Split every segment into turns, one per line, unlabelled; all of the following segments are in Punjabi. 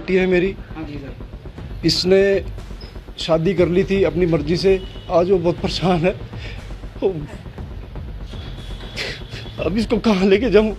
बेटी है मेरी।
हाँ जी सर।
इसने शादी कर ली थी अपनी मर्जी से, आज वो बहुत परेशान है। अब इसको कहाँ लेके जाऊँ?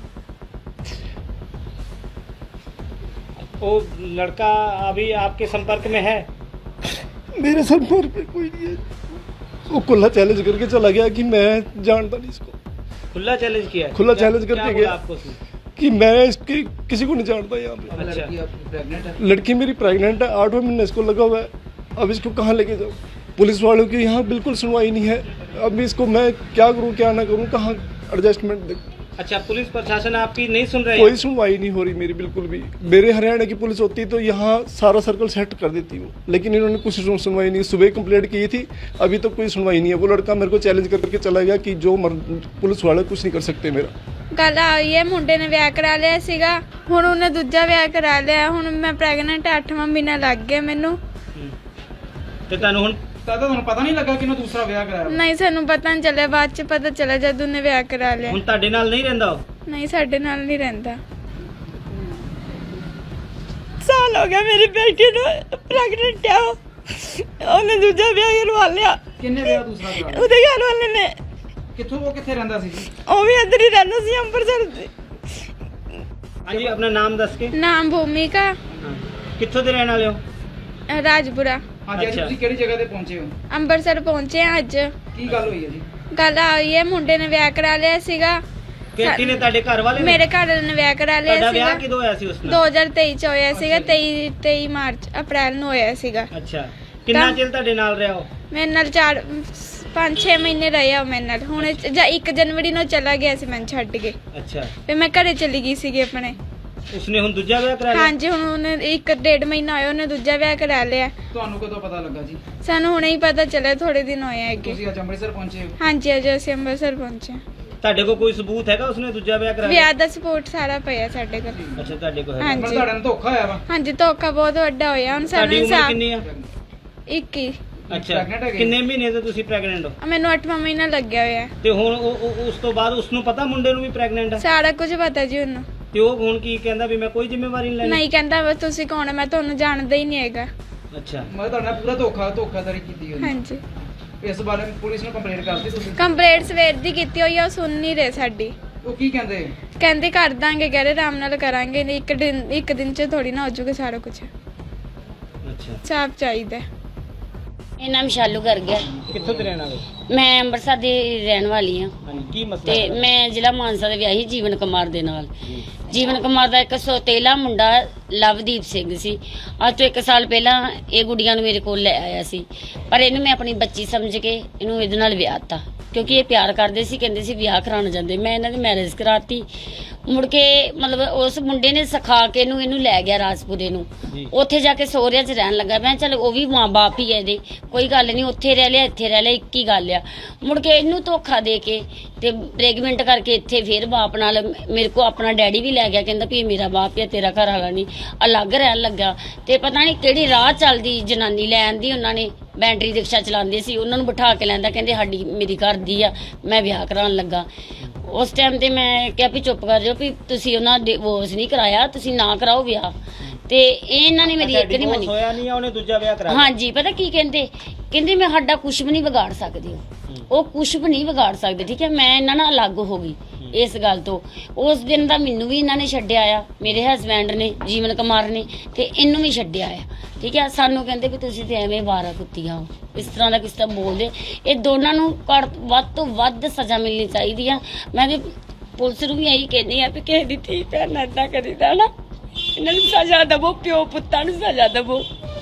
वो लड़का अभी आपके संपर्क में है?
मेरे संपर्क में कोई नहीं है। वो खुला चैलेंज करके चला गया कि मैं जानता नहीं इसको।
खुला चैलेंज किया है?
खुला चैलेंज
क्या
करके
बोला
गया
आपको उसने?
कि मैं इसकी किसी को नहीं जानता यहाँ पे।
अच्छा।
लड़की आपकी प्रेग्नेंट है?
लड़की मेरी प्रेग्नेंट है, 8वां महीना इसको लगा हुआ है। अब इसको कहाँ लेके जाऊँ? पुलिस वालों की यहाँ बिल्कुल सुनवाई नहीं है। अब इसको मैं क्या करूँ क्या ना करूँ, कहाँ एडजस्टमेंट दे?
अच्छा, पुलिस प्रशासन आपकी नहीं सुन रही है?
कोई सुनवाई नहीं हो रही मेरी बिल्कुल भी। मेरे हरियाणा की पुलिस होती तो यहाँ सारा सर्कल सेट कर देती हूँ, लेकिन इन्होंने कुछ सुनवाई नहीं। सुबह कंप्लेंट की थी, अभी तो कोई सुनवाई नहीं है। वो लड़का मेरे को चैलेंज करके चला गया कि जो पुलिस वाले कुछ नहीं कर सकते मेरा।
ਗੱਲ ਆਈ ਹੈ ਮੁੰਡੇ ਨੇ ਵਿਆਹ ਕਰਾ ਲਿਆ ਸੀਗਾ, ਹੁਣ ਉਹਨੇ ਦੂਜਾ ਵਿਆਹ ਕਰਾ ਲਿਆ। ਹੁਣ ਮੈਂ ਪ੍ਰੈਗਨੈਂਟ 8ਵਾਂ ਮਹੀਨਾ ਲੱਗ ਗਿਆ ਮੈਨੂੰ।
ਤੇ ਤੁਹਾਨੂੰ ਹੁਣ
ਤੁਹਾਨੂੰ ਪਤਾ ਨਹੀਂ ਲੱਗਾ ਕਿ ਉਹਨੇ ਦੂਸਰਾ ਵਿਆਹ ਕਰਾਇਆ?
ਨਹੀਂ ਸਾਨੂੰ ਪਤਾ ਨਹੀਂ ਚੱਲਿਆ, ਬਾਅਦ ਚ ਪਤਾ ਚੱਲਿਆ ਜਦ ਉਹਨੇ ਵਿਆਹ ਕਰਾ ਲਿਆ।
ਹੁਣ ਤੁਹਾਡੇ ਨਾਲ ਨਹੀਂ ਰਹਿੰਦਾ ਉਹ?
ਨਹੀਂ ਸਾਡੇ ਨਾਲ ਨਹੀਂ ਰਹਿੰਦਾ। ਸਾਲ ਹੋ ਗਿਆ ਮੇਰੀ ਬੇਟੀ ਨੂੰ ਪ੍ਰੈਗਨੈਂਟ ਆ, ਉਹਨੇ ਦੂਜਾ ਵਿਆਹ ਕਰਵਾ ਲਿਆ।
ਕਿੰਨੇ ਵਿਆਹ ਦੂਸਰਾ ਕਰਾਇਆ?
ਉਹਦੇ ਘਰ ਵਾਲੇ ਨੇ।
ਕਿੱਥੋਂ ਉਹ ਕਿੱਥੇ ਰਹਿੰਦਾ ਸੀ ਜੀ?
ਉਹ ਵੀ ਇੱਧਰ ਹੀ ਰਹਿੰਦਾ ਸੀ ਅੰਮ੍ਰਿਤਸਰ ਦੇ।
ਹਾਂਜੀ, ਆਪਣਾ ਨਾਮ ਦੱਸ ਕੇ।
ਨਾਮ ਭੂਮਿਕਾ,
ਕਿੱਥੋਂ ਦੇ ਰਹਿਣ ਵਾਲੇ ਹੋ?
ਰਾਜਪੁਰਾ।
ਹਾਂਜੀ, ਅੱਜ
ਅੱਛਾ।
ਤੁਸੀਂ ਕਿਹੜੀ ਜਗ੍ਹਾ ਤੇ ਪਹੁੰਚੇ ਹੋ?
ਅੰਮ੍ਰਿਤਸਰ ਪਹੁੰਚੇ ਆ ਅੱਜ।
ਕੀ ਗੱਲ ਹੋਈ ਹੈ ਜੀ?
ਗੱਲ ਆਈ ਹੈ ਮੁੰਡੇ ਨੇ ਵਿਆਹ ਕਰਾ ਲਿਆ ਸੀਗਾ।
ਕਿਹੜੀ ਨੇ? ਤੁਹਾਡੇ ਘਰ ਵਾਲੇ ਨੇ?
ਮੇਰੇ ਘਰ ਵਾਲੇ ਨੇ ਵਿਆਹ ਕਰਾ ਲਿਆ
ਤੁਹਾਡਾ
ਸੀਗਾ।
ਵਿਆਹ ਕਿਦੋਂ ਹੋਇਆ ਸੀ ਉਸ ਨਾਲ?
2023 ਚ ਹੋਇਆ ਸੀਗਾ। 23 ਮਾਰਚ ਅਪ੍ਰੈਲ ਨੂੰ ਹੋਇਆ ਸੀਗਾ।
ਅੱਛਾ, ਕਿੰਨਾ ਚਿਰ ਤੁਹਾਡੇ ਨਾਲ ਰਿਹਾ ਉਹ?
ਮੇਰੇ ਨਾਲ 5-6 ਮਹੀਨੇ ਰਿਹਾ ਉਹ ਮੇਰੇ ਨਾਲ। ਹੁਣ 1 ਜਨਵਰੀ ਨੂੰ ਚਲਾ ਗਿਆ ਸੀ ਮੈਨੂੰ ਛੱਡ ਕੇ।
ਅੱਛਾ,
ਫਿਰ ਮੈਂ ਘਰੇ ਚਲੀ ਗਈ ਸੀਗੀ ਆਪਣੇ।
ਉਸਨੇ ਹੁਣ ਦੂਜਾ ਵਿਆਹ ਕਰਾ ਲਿਆ?
ਹਾਂਜੀ, ਹੁਣ ਉਹਨੇ 1-1.5 ਮਹੀਨਾ ਹੋਇਆ ਉਹਨੇ ਦੂਜਾ ਵਿਆਹ ਕਰਾ ਲਿਆ।
ਤੁਹਾਨੂੰ ਕਦੋਂ ਪਤਾ ਲੱਗਾ ਜੀ?
ਸਾਨੂੰ ਹੁਣੇ ਹੀ ਪਤਾ ਚੱਲਿਆ, ਥੋੜੇ ਦਿਨ ਹੋਏ ਹੈਗੇ।
ਤੁਸੀਂ ਅੱਜ ਅੰਮ੍ਰਿਤਸਰ ਪਹੁੰਚੇ ਹੋ?
ਹਾਂਜੀ, ਅੱਜ ਅਸੀਂ ਅੰਮ੍ਰਿਤਸਰ ਪਹੁੰਚੇ।
ਤੁਹਾਡੇ ਕੋਲ ਕੋਈ ਸਬੂਤ ਹੈਗਾ ਉਸਨੇ ਦੂਜਾ ਵਿਆਹ ਕਰਾ ਲਿਆ?
ਵਿਆਹ ਦਾ ਸਪੋਰਟ ਸਾਰਾ ਪਿਆ ਸਾਡੇ ਕੋਲ।
ਅੱਛਾ, ਤੁਹਾਡੇ ਕੋਲ ਹੈ?
ਹਾਂਜੀ।
ਪਰ ਤੁਹਾਡੇ ਨਾਲ ਧੋਖਾ ਹੋਇਆ ਵਾ?
ਹਾਂਜੀ, ਧੋਖਾ ਬਹੁਤ ਵੱਡਾ ਹੋਇਆ। ਹੁਣ ਸਾਨੂੰ
ਤੁਹਾਡੀ ਉਮਰ
ਇਨਸਾਫ਼।
ਕਿੰਨੀ ਆ?
21।
ਅੱਛਾ,
Pregnant ਹੈਗੇ?
ਕਿੰਨੇ ਮਹੀਨੇ ਤੋਂ ਤੁਸੀਂ ਪ੍ਰੈਗਨੈਂਟ ਹੋ?
ਮੈਨੂੰ 8ਵਾਂ ਮਹੀਨਾ ਲੱਗਿਆ ਹੋਇਆ।
ਤੇ ਹੁਣ ਉਸ ਤੋਂ ਬਾਅਦ ਉਸਨੂੰ ਪਤਾ ਮੁੰਡੇ ਨੂੰ ਵੀ ਪ੍ਰੈਗਨੈਂਟ ਆ?
ਸਾਰਾ ਕੁਝ ਪਤਾ ਜੀ ਉਹਨੂੰ।
ਤੇ ਉਹ ਹੁਣ ਕੀ ਕਹਿੰਦਾ ਵੀ ਮੈਂ ਕੋਈ ਜ਼ਿੰਮੇਵਾਰੀ ਨਹੀਂ ਲੈਣੀ?
ਨਹੀਂ ਕਹਿੰਦਾ ਬਸ ਤੁਸੀਂ ਕੌਣ ਹੈ, ਮੈਂ ਤੁਹਾਨੂੰ ਜਾਣਦਾ ਹੀ ਨਹੀਂ ਹੈਗਾ।
ਅੱਛਾ,
ਮੈਂ ਤੁਹਾਡੇ ਨਾਲ ਪੂਰਾ ਧੋਖਾਧੜੀ ਕੀਤੀ ਹੋਈ।
ਹਾਂਜੀ,
ਇਸ ਬਾਰੇ ਪੁਲਿਸ ਨੂੰ ਕੰਪਲੇਂਟ ਕਰਤੀ ਤੁਸੀਂ?
ਕੰਪਲੇਂਟ ਸਵੇਰ ਦੀ ਕੀਤੀ ਹੋਈ ਆ, ਉਹ ਸੁਣ ਨਹੀਂ ਰਹੇ ਸਾਡੀ।
ਉਹ ਕੀ ਕਹਿੰਦੇ?
ਕਹਿੰਦੇ ਕਰ ਦਾਂਗੇ, ਕਹਿ ਰਹੇ ਆਰਾਮ ਨਾਲ ਕਰਾਂਗੇ। ਨਹੀਂ ਇੱਕ ਦਿਨ ਚ ਥੋੜੀ ਨਾ ਹੋ ਜਾਊਗਾ ਸਾਰਾ ਕੁਝ।
ਅੱਛਾ।
ਸਾਫ਼ ਚਾਹੀਦਾ।
ਇਹ ਨਾਮ ਸ਼ਾਲੂ ਕਰ ਗਿਆ।
ਕਿੱਥੋਂ ਦੇ ਰਹਿਣ ਵਾਲੇ?
ਮੈਂ ਅੰਮ੍ਰਿਤਸਰ ਦੀ ਰਹਿਣ ਵਾਲੀ ਹਾਂ
ਹਾਂਜੀ, ਕੀ ਮਸਲਾ
ਤੇ
ਹੈ?
ਮੈਂ ਜ਼ਿਲ੍ਹਾ ਮਾਨਸਾ ਦੇ ਵਿਆਹੀ ਜੀਵਨ ਕੁਮਾਰ ਦੇ ਨਾਲ। ਜੀਵਨ ਕੁਮਾਰ ਦਾ ਇੱਕ ਸੌਤੇਲਾ ਮੁੰਡਾ ਲਵਦੀਪ ਸਿੰਘ ਸੀ। ਅੱਜ ਤੋਂ 1 ਸਾਲ ਪਹਿਲਾਂ ਇਹ ਗੁੱਡੀਆਂ ਨੂੰ ਮੇਰੇ ਕੋਲ ਲੈ ਆਇਆ ਸੀ, ਪਰ ਇਹਨੂੰ ਮੈਂ ਆਪਣੀ ਬੱਚੀ ਸਮਝ ਕੇ ਇਹਨੂੰ ਇਹਦੇ ਨਾਲ ਵਿਆਹ ਤਾ, ਕਿਉਂਕਿ ਇਹ ਪਿਆਰ ਕਰਦੇ ਸੀ। ਕਹਿੰਦੇ ਸੀ ਵਿਆਹ ਕਰਾਉਣ ਜਾਂਦੇ। ਮੈਂ ਇਹਨਾਂ ਦੀ ਮੈਰਿਜ ਕਰਾਤੀ। ਮੁੜ ਕੇ ਮਤਲਬ ਉਸ ਮੁੰਡੇ ਨੇ ਸਿਖਾ ਕੇ ਇਹਨੂੰ ਲੈ ਗਿਆ ਰਾਜਪੁਰੇ ਨੂੰ। ਉੱਥੇ ਜਾ ਕੇ ਸਹੁਰਿਆਂ 'ਚ ਰਹਿਣ ਲੱਗਾ। ਮੈਂ ਚੱਲ ਉਹ ਵੀ ਮਾਂ ਬਾਪ ਹੀ ਹੈ ਇਹਦੇ, ਕੋਈ ਗੱਲ ਨਹੀਂ, ਉੱਥੇ ਰਹਿ ਲਿਆ ਇੱਥੇ ਰਹਿ ਲਿਆ, ਇੱਕ ਹੀ ਗੱਲ ਆ। ਮੁੜ ਕੇ ਇਹਨੂੰ ਧੋਖਾ ਦੇ ਕੇ ਤੇ ਪ੍ਰੈਗਨੈਂਟ ਕਰਕੇ ਇੱਥੇ ਫੇਰ ਬਾਪ ਨਾਲ ਮੇਰੇ ਕੋ ਆਪਣਾ ਡੈਡੀ ਵੀ ਲੈ ਗਿਆ। ਕਹਿੰਦਾ ਵੀ ਇਹ ਮੇਰਾ ਬਾਪ ਹੈ, ਤੇਰਾ ਘਰ ਵਾਲਾ ਨਹੀਂ। ਅਲੱਗ ਰਹਿਣ ਲੱਗਾ। ਤੇ ਪਤਾ ਨਹੀਂ ਕਿਹੜੀ ਰਾਹ ਚੱਲਦੀ ਜਨਾਨੀ ਲੈ ਆਂਦੀ ਉਹਨਾਂ ਨੇ, ਬੈਟਰੀ ਰਿਕਸ਼ਾ ਚਲਾਉਂਦੇ ਸੀ, ਉਹਨਾਂ ਨੂੰ ਬਿਠਾ ਕੇ ਲੈਂਦਾ। ਕਹਿੰਦੇ ਸਾਡੀ ਮੇਰੀ ਘਰ ਦੀ ਆ, ਮੈਂ ਵਿਆਹ ਕਰਾਉਣ ਲੱਗਾ। ਉਸ ਟਾਈਮ ਤੇ ਮੈਂ ਕਿਹਾ ਵੀ ਚੁੱਪ ਕਰ ਜਾਓ, ਵੀ ਤੁਸੀਂ ਉਹਨਾਂ ਡਿਵੋਰਸ ਨਹੀਂ ਕਰਾਇਆ, ਤੁਸੀਂ ਨਾ ਕਰਾਓ ਵਿਆਹ। ਤੇ ਇਹਨਾਂ ਨੇ ਮੇਰੀ ਇੱਕ ਨਹੀਂ ਮੰਨੀ।
ਹੋਇਆ ਨਹੀਂ ਆ, ਉਹਨੇ ਦੂਜਾ ਵਿਆਹ ਕਰਾ ਲਿਆ?
ਹਾਂਜੀ, ਪਤਾ ਕੀ ਕਹਿੰਦੇ ਮੈਂ ਸਾਡਾ ਕੁਝ ਵੀ ਨਹੀਂ ਵਿਗਾੜ ਸਕਦੇ ਹੋ, ਉਹ ਕੁਝ ਵੀ ਨਹੀਂ ਵਿਗਾੜ ਸਕਦੇ। ਠੀਕ ਹੈ, ਮੈਂ ਇਹਨਾਂ ਨਾਲ ਅਲੱਗ ਹੋ ਗਈ ਇਸ ਗੱਲ ਤੋਂ। ਉਸ ਦਿਨ ਦਾ ਮੈਨੂੰ ਵੀ ਇਹਨਾਂ ਨੇ ਛੱਡਿਆ ਆ, ਮੇਰੇ ਹਸਬੈਂਡ ਨੇ ਜੀਵਨ ਕੁਮਾਰ ਨੇ, ਤੇ ਇਹਨੂੰ ਵੀ ਛੱਡਿਆ ਆ। ਠੀਕ ਹੈ, ਸਾਨੂੰ ਕਹਿੰਦੇ ਵੀ ਤੁਸੀਂ ਤੇ ਐਵੇਂ ਵਾਰਾ ਕੁੱਤੀਆਂ ਹੋ, ਇਸ ਤਰ੍ਹਾਂ ਦਾ ਕਿਸ ਤਰ੍ਹਾਂ ਬੋਲਦੇ। ਇਹ ਦੋਨਾਂ ਨੂੰ ਵੱਧ ਤੋਂ ਵੱਧ ਸਜ਼ਾ ਮਿਲਣੀ ਚਾਹੀਦੀ ਆ। ਮੈਂ ਤੇ ਪੁਲਿਸ ਨੂੰ ਵੀ ਇਹੀ ਕਹਿੰਦੀ ਆ ਵੀ ਕਿਸੇ ਦੀ ਧੀ ਭੈਣ ਏਦਾਂ ਕਰੀਦਾ ਨਾ, ਇਹਨਾਂ ਨੂੰ ਸਜ਼ਾ ਦੇਵੋ, ਪਿਓ ਪੁੱਤਾਂ ਨੂੰ ਸਜ਼ਾ ਦੇਵੋ।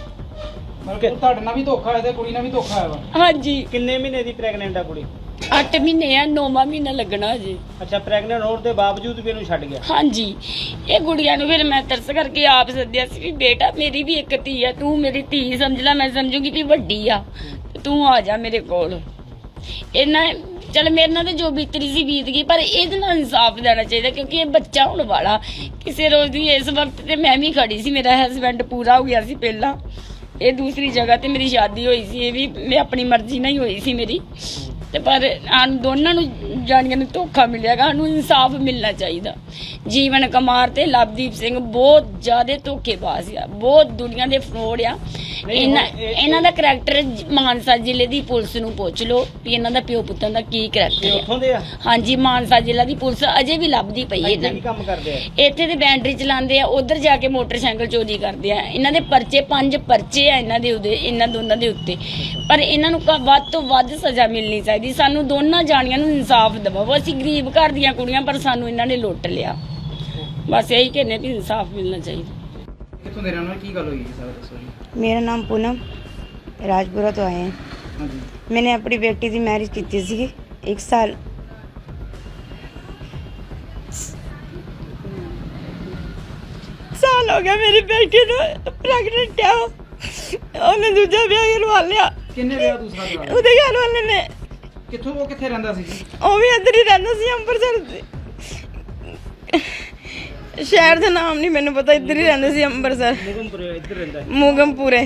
ਮਤਲਬ ਤੁਹਾਡੇ ਨਾਲ ਵੀ ਧੋਖਾ ਹੋਇਆ ਤੇ ਕੁੜੀ ਨਾਲ ਵੀ ਧੋਖਾ ਹੋਇਆ ਵਾ?
ਹਾਂਜੀ,
ਕਿੰਨੇ ਮਹੀਨੇ ਦੀ ਪ੍ਰੈਗਨੈਂਟ ਆ ਕੁੜੀ?
8 ਮਹੀਨੇ ਆ, 9ਵਾਂ ਮਹੀਨਾ ਲੱਗਣਾ ਜੀ।
ਅੱਛਾ, ਪ੍ਰੈਗਨੈਂਟ ਹੋਣ ਦੇ ਬਾਵਜੂਦ ਵੀ ਇਹਨੂੰ ਛੱਡ ਗਿਆ?
ਹਾਂਜੀ, ਇਹ ਗੁੜੀਆਂ ਨੂੰ ਫਿਰ ਮੈਂ ਤਰਸ ਕਰਕੇ ਆਪ ਸੱਦਿਆ ਸੀ ਵੀ ਬੇਟਾ ਮੇਰੀ ਵੀ ਇੱਕ ਧੀ ਆ, ਤੂੰ ਮੇਰੀ ਧੀ ਸਮਝ ਲੈ, ਮੈਂ ਸਮਝੂਗੀ ਵੀ ਵੱਡੀ ਆ, ਤੂੰ ਆ ਜਾ ਮੇਰੇ ਕੋਲ। ਇਹਨਾਂ ਚਲ ਮੇਰੇ ਨਾਲ ਤਾਂ ਜੋ ਬੀਤਰੀ ਸੀ ਬੀਤ ਗਈ, ਪਰ ਇਹਦੇ ਨਾਲ ਇਨਸਾਫ ਦੇਣਾ ਚਾਹੀਦਾ, ਕਿਉਂਕਿ ਇਹ ਬੱਚਾ ਹੋਣ ਵਾਲਾ ਕਿਸੇ ਰੋਜ਼ ਦੀ। ਇਸ ਵਕਤ ਤੇ ਮੈਂ ਵੀ ਖੜੀ ਸੀ, ਮੇਰਾ ਹਸਬੈਂਡ ਪੂਰਾ ਹੋ ਗਿਆ ਸੀ ਪਹਿਲਾਂ। ਇਹ ਦੂਸਰੀ ਜਗ੍ਹਾ ਤੇ ਮੇਰੀ ਸ਼ਾਦੀ ਹੋਈ ਸੀ, ਇਹ ਵੀ ਮੈਂ ਆਪਣੀ ਮਰਜ਼ੀ ਨਾਲ ਹੀ ਹੋਈ ਸੀ ਮੇਰੀ। ਤੇ ਪਰ ਸਾਨੂੰ ਦੋਨਾਂ ਨੂੰ ਜਾਣੀਆਂ ਨੂੰ ਧੋਖਾ ਮਿਲਿਆਗਾ। ਸਾਨੂੰ ਇਨਸਾਫ ਮਿਲਣਾ ਚਾਹੀਦਾ। ਜੀਵਨ ਕੁਮਾਰ ਤੇ ਲਵਦੀਪ ਸਿੰਘ ਬਹੁਤ ਜ਼ਿਆਦਾ ਧੋਖੇਬਾਜ਼ ਆ, ਬਹੁਤ ਦੁਨੀਆ ਦੇ ਫਰੋਡ ਆ। ਇਹਨਾਂ ਦਾ ਕਰੈਕਟਰ ਮਾਨਸਾ ਜ਼ਿਲ੍ਹੇ ਦੀ ਪੁਲਿਸ ਨੂੰ ਪੁੱਛ ਲਓ ਵੀ ਇਹਨਾਂ ਦਾ ਪਿਓ ਪੁੱਤਾਂ ਦਾ ਕੀ ਕਰੈਕਟਰ
ਉੱਥੋਂ ਦੇ ਆ?
ਹੈ। ਹਾਂਜੀ, ਮਾਨਸਾ ਜ਼ਿਲ੍ਹਾ ਦੀ ਪੁਲਿਸ ਅਜੇ ਵੀ ਲੱਭਦੀ ਪਈ ਹੈ
ਇੱਥੇ
ਇਹਨਾਂ
ਕੀ
ਨੂੰ।
ਕੰਮ ਕਰਦੇ ਆ?
ਇੱਥੇ ਤੇ ਬੈਟਰੀ ਚਲਾਉਂਦੇ ਆ, ਉਧਰ ਜਾ ਕੇ ਮੋਟਰਸਾਈਕਲ ਚੋਰੀ ਕਰਦੇ ਆ। ਇਹਨਾਂ ਦੇ ਪਰਚੇ 5 ਪਰਚੇ ਆ ਇਹਨਾਂ ਦੋਨਾਂ ਦੇ ਉੱਤੇ, ਪਰ ਇਹਨਾਂ ਨੂੰ ਵੱਧ ਤੋਂ ਵੱਧ ਸਜ਼ਾ ਮਿਲਣੀ ਚਾਹੀਦੀ। ਸਾਨੂੰ ਦੋਨਾਂ ਜਾਣੀਆਂ ਨੂੰ ਇਨਸਾਫ ਦਿਵਾਓ। ਅਸੀਂ ਗਰੀਬ ਘਰ ਦੀਆਂ ਕੁੜੀਆਂ, ਪਰ ਸਾਨੂੰ ਇਹਨਾਂ ਨੇ ਲੁੱਟ ਲਿਆ। ਬਸ ਇਹੀ ਕਹਿੰਦੇ ਵੀ ਇਨਸਾਫ ਮਿਲਣਾ ਚਾਹੀਦਾ।
ਕਿੱਥੋਂ ਦੇ ਰਹਿਣ ਵਾਲੇ, ਕੀ ਗੱਲ ਹੋਈ ਹੈ ਸਾਰਾ ਦੱਸੋ ਜੀ।
मेरा नाम पूनम राजपुरा तो आए हैं।
ਹਾਂਜੀ
मैंने अपनी बेटी की मैरिज की थी 1 साल हो गया मेरी बेटी प्रेगनेंट है। ਉਹਨੇ ਦੂਜਾ ਵਿਆਹ ਕਰਵਾ ਲਿਆ
ਕਿੰਨੇ ਵਿਆਹ ਦੂਸਰਾ ਕਰਾ ਲਿਆ?
ਉਹਦੇ ਘਰ ਵਾਲੇ ਨੇ।
ਕਿੱਥੋਂ, ਉਹ ਕਿੱਥੇ ਰਹਿੰਦਾ ਸੀ ਜੀ?
ਉਹ ਵੀ ਇੱਧਰ ਹੀ ਰਹਿੰਦਾ ਸੀ, ਅੰਮ੍ਰਿਤਸਰ ਦੇ। ਸ਼ਹਿਰ ਦਾ ਨਾਮ ਨਹੀਂ ਮੈਨੂੰ ਪਤਾ, ਇੱਧਰ ਹੀ ਰਹਿੰਦਾ ਸੀ ਅੰਮ੍ਰਿਤਸਰ,
ਮੁਗਮਪੁਰੇ ਇੱਧਰ ਰਹਿੰਦਾ ਹੈ।
ਮੂਗਮਪੁਰੇ।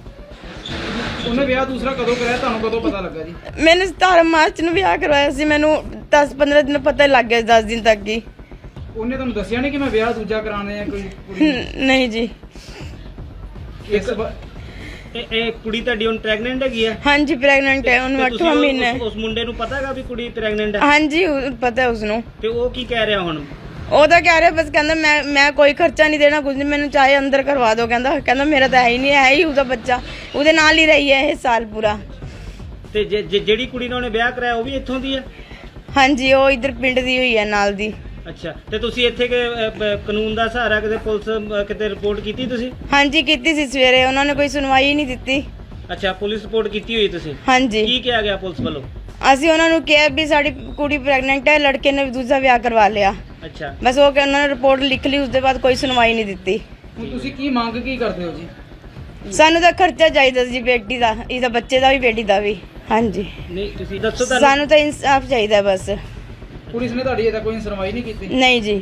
ਉਹਨੇ ਵਿਆਹ ਦੂਸਰਾ ਕਦੋਂ ਕਰਾਇਆ, ਤੁਹਾਨੂੰ ਕਦੋਂ ਪਤਾ ਲੱਗਾ ਜੀ?
मैंने 17 ਮਾਰਚ ਨੂੰ ਵਿਆਹ ਕਰਵਾਇਆ ਸੀ। ਮੈਨੂੰ 10-15 ਦਿਨ ਪਤਾ ਹੀ ਲੱਗ ਗਿਆ, 10 ਦਿਨ ਤੱਕ ਹੀ।
ਉਹਨੇ ਤੁਹਾਨੂੰ ਦੱਸਿਆ ਨਹੀਂ ਕਿ ਮੈਂ ਵਿਆਹ ਦੂਜਾ ਕਰਾਉਣਾ ਹੈ ਕੋਈ ਕੁੜੀ ਨੂੰ?
ਨਹੀਂ ਜੀ।
ਇਸ ਵਾ-
ਇਹ ਕੁੜੀ ਤੁਹਾਡੀ ਹੁਣ ਪ੍ਰੈਗਨੈਂਟ ਹੈਗੀ ਆ?
ਹਾਂਜੀ, ਪ੍ਰੈਗਨੈਂਟ ਹੈ, ਉਹਨੂੰ
ਤੇ ਤੁਸੀਂ
8ਵਾਂ ਮਹੀਨਾ ਹੈ।
ਉਸ ਮੁੰਡੇ ਨੂੰ ਪਤਾ ਹੈਗਾ ਵੀ ਕੁੜੀ ਪ੍ਰੈਗਨੈਂਟ ਹੈ?
ਹਾਂਜੀ, ਪਤਾ ਹੈ ਉਸਨੂੰ।
ਤੇ ਉਹ ਕੀ ਕਹਿ ਰਿਹਾ ਹੁਣ?
ਉਹ ਤਾਂ ਕਹਿ ਰਿਹਾ, ਬਸ ਕਹਿੰਦਾ ਮੈਂ ਕੋਈ ਖਰਚਾ ਨਹੀਂ ਦੇਣਾ, ਕੁਝ ਨਹੀਂ, ਮੈਨੂੰ ਚਾਹੇ ਅੰਦਰ ਕਰਵਾ ਦਿਓ। ਕਹਿੰਦਾ ਮੇਰਾ ਤਾਂ ਹੈ ਹੀ ਨਹੀਂ, ਹੈ ਹੀ ਉਹਦਾ ਬੱਚਾ, ਉਹਦੇ ਨਾਲ ਹੀ ਰਹੀ ਹੈ ਇਹ ਸਾਲ ਪੂਰਾ।
ਤੇ ਜਿਹੜੀ ਕੁੜੀ ਨਾਲ ਉਹਨੇ ਵਿਆਹ ਕਰਾਇਆ ਉਹ ਵੀ ਇੱਥੋਂ ਦੀ ਆ?
ਹਾਂਜੀ, ਉਹ ਇੱਧਰ ਪਿੰਡ ਦੀ ਹੋਈ ਹੈ, ਨਾਲ ਦੀ।
ਅੱਛਾ, ਤੇ ਤੁਸੀਂ ਇੱਥੇ ਕਾਨੂੰਨ ਦਾ ਸਹਾਰਾ ਕਿਤੇ ਪੁਲਿਸ ਕਿਤੇ ਰਿਪੋਰਟ ਕੀਤੀ ਤੁਸੀਂ?
ਹਾਂਜੀ, ਕੀਤੀ ਸੀ ਸਵੇਰੇ, ਉਹਨਾਂ ਨੇ ਕੋਈ ਸੁਣਵਾਈ ਹੀ ਨਹੀਂ ਦਿੱਤੀ।
ਅੱਛਾ, ਪੁਲਿਸ ਰਿਪੋਰਟ ਕੀਤੀ ਹੋਈ ਤੁਸੀਂ?
ਹਾਂਜੀ,
ਕੀ ਕਿਹਾ ਗਿਆ ਪੁਲਿਸ ਵੱਲੋਂ?
ਅਸੀਂ ਉਹਨਾਂ ਨੂੰ ਕਿਹਾ ਵੀ ਸਾਡੀ ਕੁੜੀ ਪ੍ਰੈਗਨੈਂਟ ਹੈ, ਲੜਕੇ ਨੇ ਦੂਜਾ ਵਿਆਹ ਕਰਵਾ ਲਿਆ।
ਅੱਛਾ,
ਬਸ ਉਹ ਕਿ ਉਹਨਾਂ ਨੇ ਰਿਪੋਰਟ ਲਿਖ ਲਈ, ਉਸ ਦੇ ਬਾਅਦ ਕੋਈ ਸੁਣਵਾਈ ਨਹੀਂ ਦਿੱਤੀ।
ਹੁਣ ਤੁਸੀਂ ਕੀ ਮੰਗ ਕੀ ਕਰਦੇ ਹੋ ਜੀ?
ਸਾਨੂੰ ਤਾਂ ਖਰਚਾ ਚਾਹੀਦਾ ਸੀ ਬੇਟੀ ਦਾ, ਇਹਦਾ ਬੱਚੇ ਦਾ ਵੀ, ਬੇਟੀ ਦਾ ਵੀ। ਹਾਂਜੀ,
ਨਹੀਂ ਤੁਸੀਂ ਦੱਸੋ ਤੁਹਾਨੂੰ
ਸਾਨੂੰ ਤਾਂ ਇਨਸਾਫ ਚਾਹੀਦਾ ਬਸ।
ਪੁਲਿਸ ਨੇ ਤੁਹਾਡੀ ਇਹਦਾ ਕੋਈ ਸੁਣਵਾਈ ਨਹੀਂ ਕੀਤੀ?
ਨਹੀਂ ਜੀ,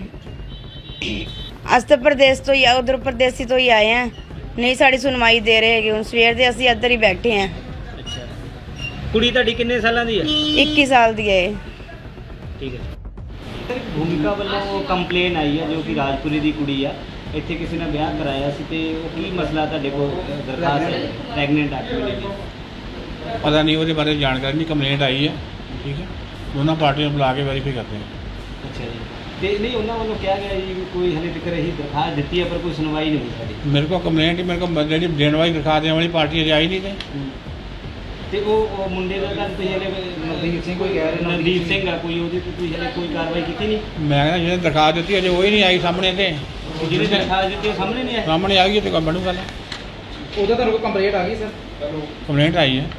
ਅੱਜ ਤਾਂ ਪ੍ਰਦੇਸ਼ ਤੋਂ ਹੀ ਆ, ਉਧਰ ਪ੍ਰਦੇਸੀ ਤੋਂ ਹੀ ਆਏ ਆ, ਨਹੀਂ ਸਾਡੀ ਸੁਣਵਾਈ ਦੇ ਰਹੇ ਹੈਗੇ। ਹੁਣ ਸਵੇਰ ਦੇ ਅਸੀਂ ਇੱਧਰ ਹੀ ਬੈਠੇ ਆ।
ਅੱਛਾ, ਕੁੜੀ ਤੁਹਾਡੀ ਕਿੰਨੇ ਸਾਲਾਂ ਦੀ ਹੈ?
21 ਸਾਲ ਦੀ ਹੈ ਇਹ।
ਠੀਕ ਹੈ। ਭੂਮਿਕਾ ਵੱਲੋਂ ਕੰਪਲੇਨ ਆਈ ਹੈ ਜੋ ਕਿ ਰਾਜਪੁਰੀ ਦੀ ਕੁੜੀ ਆ, ਇੱਥੇ ਕਿਸੇ ਨੇ ਵਿਆਹ ਕਰਾਇਆ ਸੀ ਤੇ ਉਹ ਕੀ ਮਸਲਾ ਤੁਹਾਡੇ ਕੋਲ ਦਰਖਾਸਤ ਹੈ ਪ੍ਰੈਗਨੈਂਟ ਆ ਕੁੜੀ ਦੀ?
ਪਤਾ ਨਹੀਂ, ਉਹਦੇ ਬਾਰੇ ਜਾਣਕਾਰੀ ਨਹੀਂ। ਕੰਪਲੇਂਟ ਆਈ ਹੈ, ਠੀਕ ਹੈ, ਦੋਨਾਂ ਪਾਰਟੀਆਂ ਨੂੰ ਬੁਲਾ ਕੇ ਵੈਰੀਫਾਈ ਕਰਦੇ ਹਾਂ।
ਅੱਛਾ ਜੀ, ਤੇ ਨਹੀਂ ਉਹਨਾਂ ਵੱਲੋਂ ਕਿਹਾ ਗਿਆ ਜੀ ਵੀ ਕੋਈ ਹਲੇ ਤੱਕ ਇਹੀ ਦਰਖਾਸਤ ਦਿੱਤੀ ਹੈ ਪਰ ਕੋਈ ਸੁਣਵਾਈ ਨਹੀਂ ਹੋਈ ਸਾਡੀ।
ਮੇਰੇ ਕੋਲ ਕੰਪਲੇਂਟ ਹੀ, ਮੇਰੇ ਕੋਲ ਜਿਹੜੀ ਦੇਣ ਵਾਲੀ ਦਿਖਾ ਦੇਣ ਵਾਲੀ ਪਾਰਟੀ ਅਜੇ ਆਈ ਨਹੀਂ
ਤੇ ਉਹ ਮੁੰਡੇ ਦਾ ਤਾਂ ਤੁਸੀਂ ਹਲੇ
ਨਵਦੀਪ ਸਿੰਘ ਕੋਈ ਕਹਿ ਰਹੇ
ਨਵਦੀਪ ਸਿੰਘ ਆ ਕੋਈ, ਉਹਦੀ ਤੁਸੀਂ ਹਲੇ ਕੋਈ ਕਾਰਵਾਈ ਕੀਤੀ ਨਹੀਂ?
ਮੈਂ ਕਹਿੰਦਾ ਜਿਹਨੇ ਦਿਖਾ ਦਿੱਤੀ ਅਜੇ ਉਹ ਹੀ ਨਹੀਂ ਆਈ ਸਾਹਮਣੇ, ਤੇ
ਜਿਹਨੇ ਦਰਖਾਸਤ ਦਿੱਤੀ ਉਹ ਸਾਹਮਣੇ ਨਹੀਂ ਆਇਆ?
ਸਾਹਮਣੇ ਆ ਗਈ ਤੇ ਕੰਮ ਬਣੂ ਗੱਲ।
ਉਹਦਾ ਤੁਹਾਨੂੰ ਕੋਈ ਕੰਪਲੇਂਟ ਆ ਗਈ ਸਰ?
ਕੰਪਲੇਂਟ ਆਈ ਹੈ।